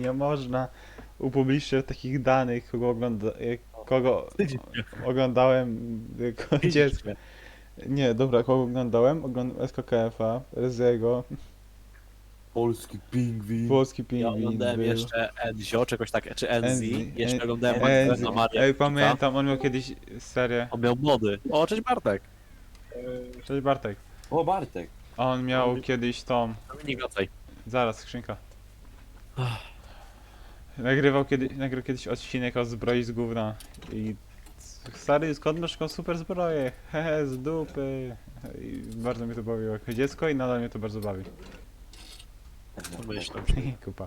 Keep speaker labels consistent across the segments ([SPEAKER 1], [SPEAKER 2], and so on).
[SPEAKER 1] nie można upubliczniać takich danych, kogo oglądałem jako dziecko. Nie, dobra, kogo oglądałem? Oglądałem SKKF-a, Reziego,
[SPEAKER 2] Polski pingwin.
[SPEAKER 1] Włoski
[SPEAKER 3] Ja
[SPEAKER 1] Pingwin
[SPEAKER 3] oglądałem
[SPEAKER 1] był,
[SPEAKER 3] jeszcze Enzio, czegoś tak, czy Enzi.
[SPEAKER 1] Enzi,
[SPEAKER 3] Jeszcze oglądałem
[SPEAKER 1] Enzi.
[SPEAKER 3] Magdalena Marię
[SPEAKER 1] Ej,
[SPEAKER 3] Kika.
[SPEAKER 1] pamiętam, on miał kiedyś serię.
[SPEAKER 3] On miał młody. O, cześć Bartek.
[SPEAKER 1] Cześć Bartek.
[SPEAKER 2] O, Bartek.
[SPEAKER 1] A on miał kiedyś tą...
[SPEAKER 3] Dominik, wracaj.
[SPEAKER 1] Zaraz, skrzynka.
[SPEAKER 3] Ach.
[SPEAKER 1] Nagrał kiedyś odcinek o zbroi z gówna i stary, skąd masz taką super zbroję? Hehe, z dupy. I bardzo mnie to bawiło jako dziecko i nadal mnie to bardzo bawi.
[SPEAKER 3] Myślę.
[SPEAKER 1] Kupa.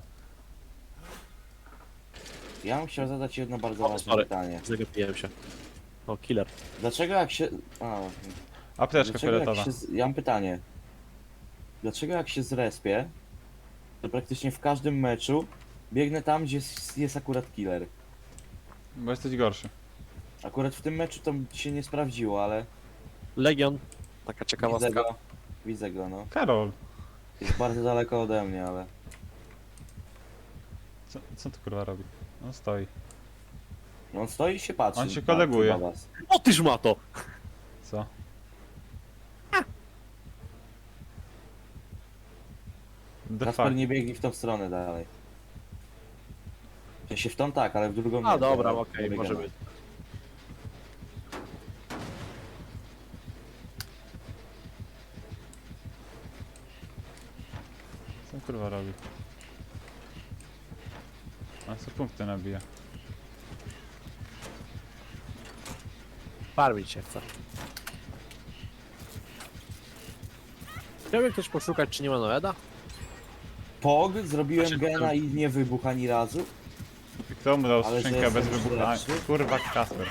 [SPEAKER 2] Ja bym chciał zadać jedno bardzo ważne
[SPEAKER 3] sorry.
[SPEAKER 2] pytanie.
[SPEAKER 3] Zagapiłem się. O, killer.
[SPEAKER 2] Dlaczego jak się... A,
[SPEAKER 1] Apteczka
[SPEAKER 2] dlaczego jak
[SPEAKER 1] fioletowa.
[SPEAKER 2] się... Ja mam pytanie. Dlaczego jak się zrespię, to praktycznie w każdym meczu biegnę tam, gdzie jest akurat killer.
[SPEAKER 1] Bo jesteś gorszy.
[SPEAKER 2] Akurat w tym meczu to się nie sprawdziło, ale
[SPEAKER 3] Legion. Taka
[SPEAKER 2] widzę
[SPEAKER 3] ciekawostka.
[SPEAKER 2] go. Widzę go, no.
[SPEAKER 1] Karol,
[SPEAKER 2] Jest bardzo daleko ode mnie, ale...
[SPEAKER 1] co tu kurwa robi? On stoi.
[SPEAKER 2] No on stoi i się patrzy.
[SPEAKER 1] On się koleguje.
[SPEAKER 2] na was.
[SPEAKER 3] O, tyż ma to!
[SPEAKER 1] Co? The
[SPEAKER 2] Kasper
[SPEAKER 1] fuck?
[SPEAKER 2] nie biegnie w tą stronę dalej. W sensie w tą tak, ale w drugą nie.
[SPEAKER 3] A, dobra,
[SPEAKER 2] bo
[SPEAKER 3] okej,
[SPEAKER 2] nie
[SPEAKER 3] może
[SPEAKER 2] biegamy.
[SPEAKER 3] być.
[SPEAKER 1] Co on kurwa robi? On co punkty nabija.
[SPEAKER 3] Farmić się chce. Chciałby ktoś poszukać, czy nie ma Noeda?
[SPEAKER 2] Pog, zrobiłem
[SPEAKER 3] Znaczy,
[SPEAKER 2] gena i nie wybuch ani razu.
[SPEAKER 1] Kto mu dał
[SPEAKER 2] Ale że
[SPEAKER 1] skrzynkę bez
[SPEAKER 2] jestem
[SPEAKER 1] wybuchu? A,
[SPEAKER 2] lepszy?
[SPEAKER 1] kurwa Kasper.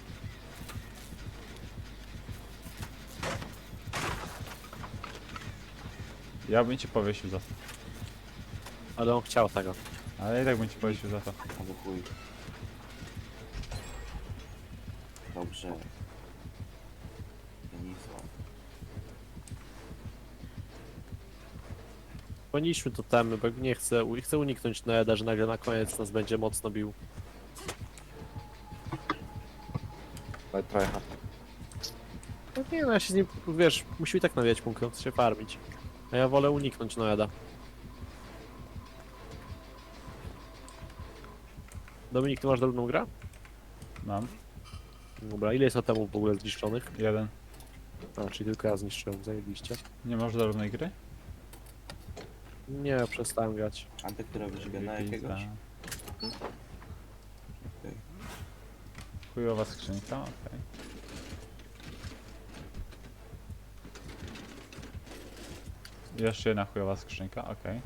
[SPEAKER 1] Ja bym ci powiesił za to.
[SPEAKER 3] Ale on chciał tego.
[SPEAKER 1] Ale i tak bym ci powiesił za to.
[SPEAKER 2] Albo chuj. Dobrze. Denisław.
[SPEAKER 3] Poniszmy to temy, bo nie chcę uniknąć Noeda, że nagle na koniec nas będzie mocno bił.
[SPEAKER 2] Tryhard.
[SPEAKER 3] No nie, no ja się z nim, wiesz, musimy i tak nawijać punktów, chce się farmić. A ja wolę uniknąć Noeda. Dominik, ty masz drobną grę?
[SPEAKER 1] Mam.
[SPEAKER 3] Dobra, ile jest atomów w ogóle zniszczonych?
[SPEAKER 1] Jeden.
[SPEAKER 3] A, czyli tylko ja zniszczyłem, zajebiście.
[SPEAKER 1] Nie masz zarównej gry?
[SPEAKER 3] Nie, przestałem grać.
[SPEAKER 2] Antek, ty robisz gena jakiegoś? Okej.
[SPEAKER 1] Chujowa skrzynka, okej. Jeszcze jedna chujowa skrzynka, okej.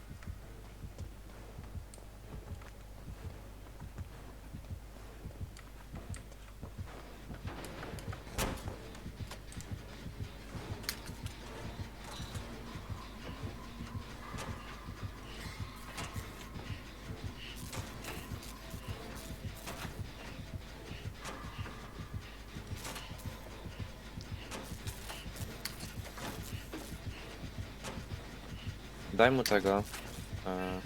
[SPEAKER 4] Daj mu tego. e,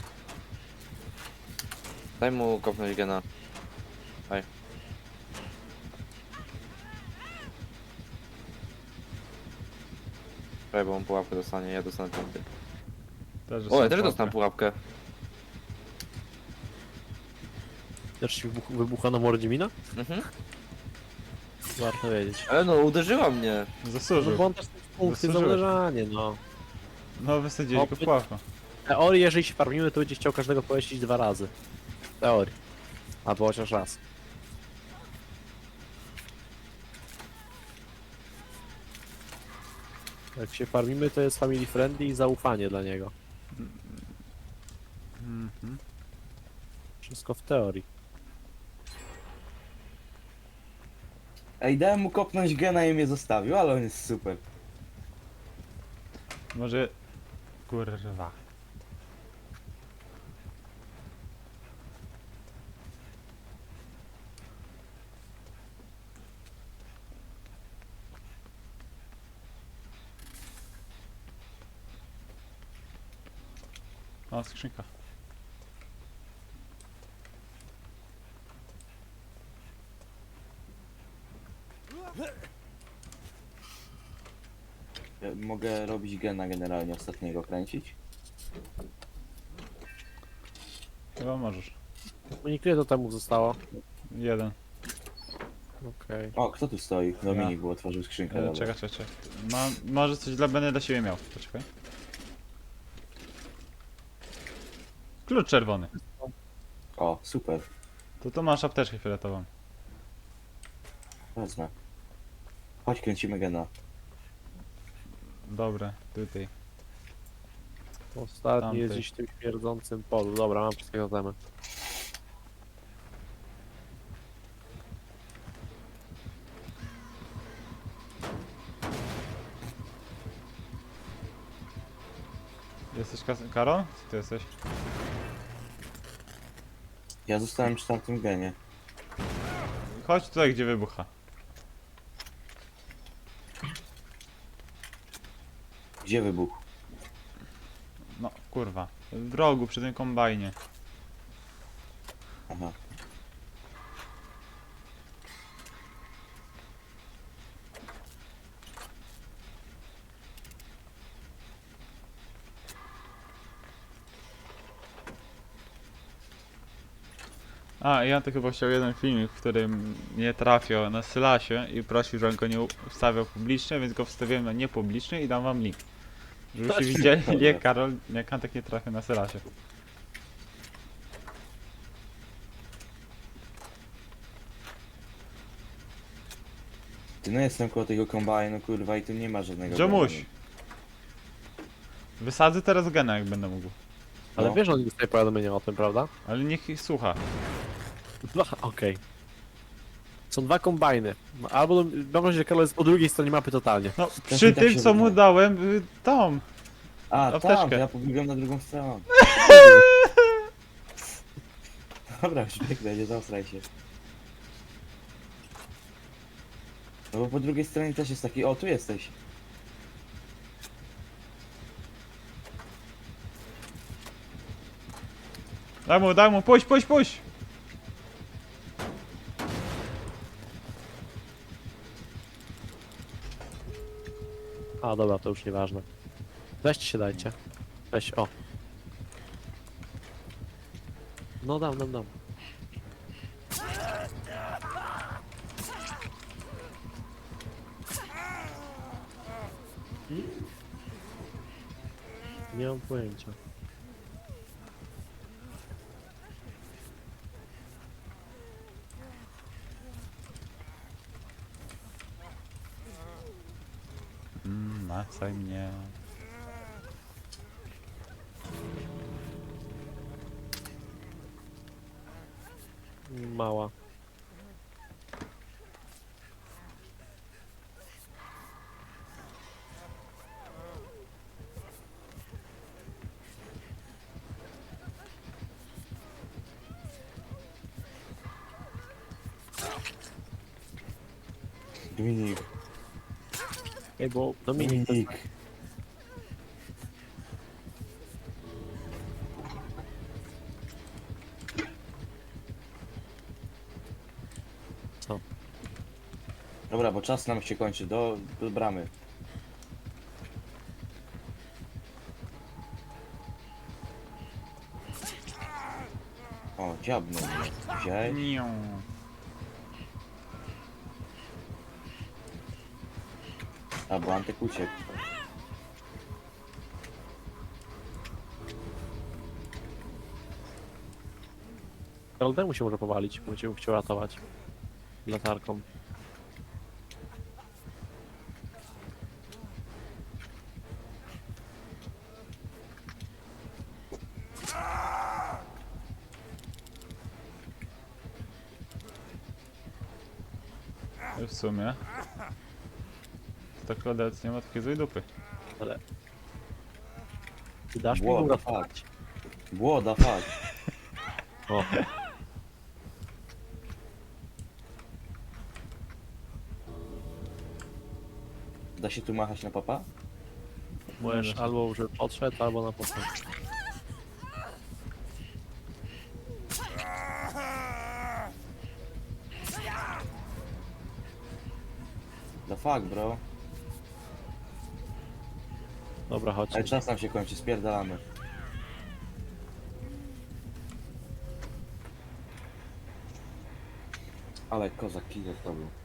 [SPEAKER 4] Daj mu kopnąć gena. Daj. Daj, bo on pułapkę dostanie, ja dostanę punkty.
[SPEAKER 1] Też
[SPEAKER 4] O, ja też
[SPEAKER 1] pułapkę.
[SPEAKER 4] dostanę pułapkę.
[SPEAKER 3] Też ci wybucha na mordzie mina?
[SPEAKER 4] Mhm.
[SPEAKER 3] Warto wiedzieć.
[SPEAKER 4] Ale no, uderzyła mnie.
[SPEAKER 3] No
[SPEAKER 1] Zasłużył.
[SPEAKER 3] bo on też punkty za
[SPEAKER 1] Zasłużyłeś.
[SPEAKER 3] uderzanie, no.
[SPEAKER 1] No wysadzili go
[SPEAKER 3] O,
[SPEAKER 1] pułapką.
[SPEAKER 3] W teorii, jeżeli się farmimy, to będzie chciał każdego pojeździć 2 razy. W teorii. Albo chociaż raz. Jak się farmimy, to jest family friendly i zaufanie dla niego.
[SPEAKER 1] Mhm.
[SPEAKER 3] Wszystko w teorii.
[SPEAKER 2] Ej, dałem mu kopnąć gena i mnie zostawił, ale on jest super.
[SPEAKER 1] Może... Kurwa. O, skrzynka.
[SPEAKER 2] Ja mogę robić gena generalnie ostatniego kręcić?
[SPEAKER 1] Chyba możesz.
[SPEAKER 3] Unik, ile to temu zostało?
[SPEAKER 1] Jeden.
[SPEAKER 3] Okej.
[SPEAKER 2] O, kto tu stoi? Dominik, bo otworzył skrzynkę. dobra.
[SPEAKER 1] Czekaj, czekaj, czekaj. Może coś będę dla siebie miał. Poczekaj. Klucz czerwony.
[SPEAKER 2] O, super.
[SPEAKER 1] To masz apteczkę fioletową.
[SPEAKER 2] Wezmę. Chodź, kręcimy gena.
[SPEAKER 1] Dobra, tutaj.
[SPEAKER 3] Ostatni
[SPEAKER 1] Tamtej.
[SPEAKER 3] jest gdzieś w tym śmierdzącym polu. Dobra, mam wszystkie totemy.
[SPEAKER 1] Jesteś Karol? Co ty jesteś?
[SPEAKER 2] Ja zostałem przy tamtym genie.
[SPEAKER 1] Chodź tutaj, gdzie wybucha.
[SPEAKER 2] Gdzie wybuch?
[SPEAKER 1] No, kurwa. W rogu, przy tym kombajnie.
[SPEAKER 2] Aha.
[SPEAKER 1] A, ja to chyba chciał jeden filmik, w którym nie trafiał na Sylasie i prosił, żebym go nie wstawiał publicznie, więc go wstawiłem na niepubliczny i dam wam link. Żebyście widzieli,
[SPEAKER 2] Dobra.
[SPEAKER 1] jak Karol, jak Antek nie trafił na Sylasie.
[SPEAKER 2] Ty no jestem koło tego kombajnu, kurwa, i tu nie ma żadnego
[SPEAKER 1] Dziomuś!
[SPEAKER 2] gena.
[SPEAKER 1] Wysadzę teraz gena, jak będę mógł.
[SPEAKER 3] Ale
[SPEAKER 2] No.
[SPEAKER 3] wiesz, on dostaje powiadomienia o tym, prawda?
[SPEAKER 1] Ale niech ich słucha.
[SPEAKER 3] Okej. Są dwa kombajny. Albo mam nadzieję, że Karol jest po drugiej stronie mapy totalnie.
[SPEAKER 1] No,
[SPEAKER 2] Też
[SPEAKER 1] przy
[SPEAKER 2] mi tak
[SPEAKER 1] tym,
[SPEAKER 2] się
[SPEAKER 1] co mu
[SPEAKER 2] wydaje.
[SPEAKER 1] dałem, tą.
[SPEAKER 2] A,
[SPEAKER 1] Apteczkę.
[SPEAKER 2] tam, to ja pobiegłem na drugą stronę. Dobra, już biegnę, nie zaostraj się. No bo po drugiej stronie też jest taki, o, tu jesteś.
[SPEAKER 1] Daj mu, puść, puść, puść!
[SPEAKER 3] A, dobra, to już nieważne. Weźcie się, dajcie. Weź, o. No dam. Nie mam pojęcia.
[SPEAKER 1] Macaj mnie.
[SPEAKER 3] Mała.
[SPEAKER 2] Dominik,
[SPEAKER 3] Ej, bo Dominik,
[SPEAKER 2] Dominik.
[SPEAKER 3] Co?
[SPEAKER 2] Dobra, bo czas nam się kończy, do bramy. O, dziabnął mnie. Wziąłeś?
[SPEAKER 1] Nią.
[SPEAKER 2] A, bo Antek uciekł.
[SPEAKER 3] Karol temu się może powalić, bo cię chciał ratować. Latarką.
[SPEAKER 1] W sumie. To tak obecnie nie ma takiej złej dupy.
[SPEAKER 3] Ale... Ty dasz mi
[SPEAKER 2] Błoda,
[SPEAKER 3] uratować?
[SPEAKER 2] Błoda, fuck.
[SPEAKER 3] O,
[SPEAKER 2] Da się tu machać na papa?
[SPEAKER 3] możesz albo żeby podszedł, albo na postęp.
[SPEAKER 2] The fuck, bro.
[SPEAKER 3] Dobra, chodź.
[SPEAKER 2] Ale czas nam się kończy, spierdalamy. Ale kozak killer to był.